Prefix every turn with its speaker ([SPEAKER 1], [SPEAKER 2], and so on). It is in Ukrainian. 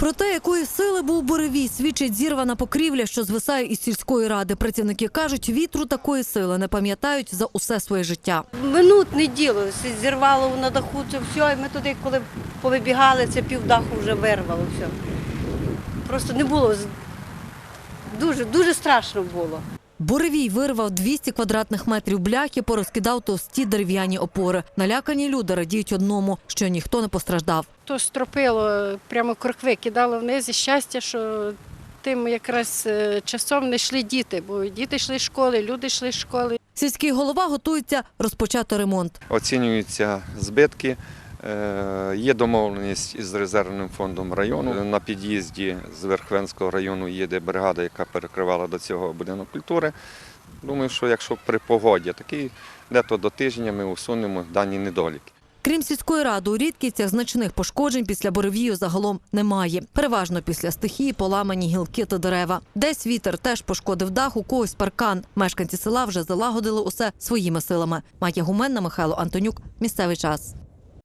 [SPEAKER 1] Про те, якої сили був буревій, свідчить зірвана покрівля, що звисає із сільської ради. Працівники кажуть, вітру такої сили не пам'ятають за усе своє життя.
[SPEAKER 2] Минутне діло, зірвало на даху це все, і ми туди, коли повибігали, це півдаху вже вирвало все. Просто не було, дуже страшно було.
[SPEAKER 1] Буревій вирвав 200 квадратних метрів бляхи, порозкидав товсті дерев'яні опори. Налякані люди радіють одному, що ніхто не постраждав.
[SPEAKER 3] То стропило, прямо крокви кидало вниз, і щастя, що тим якраз часом не йшли діти, бо діти йшли з школи, люди йшли з школи.
[SPEAKER 1] Сільський голова готується розпочати ремонт.
[SPEAKER 4] Оцінюються збитки. Є домовленість із резервним фондом району. На під'їзді з Верховенського району їде бригада, яка перекривала до цього будинок культури. Думаю, що якщо при погоді такий, дето до тижня ми усунемо дані недоліки.
[SPEAKER 1] Крім сільської ради, у Рідківцях значних пошкоджень після буревію загалом немає. Переважно після стихії поламані гілки та дерева. Десь вітер теж пошкодив дах, у когось паркан. Мешканці села вже залагодили усе своїми силами. Майя Гуменна, Михайло Антонюк. Місцевий час.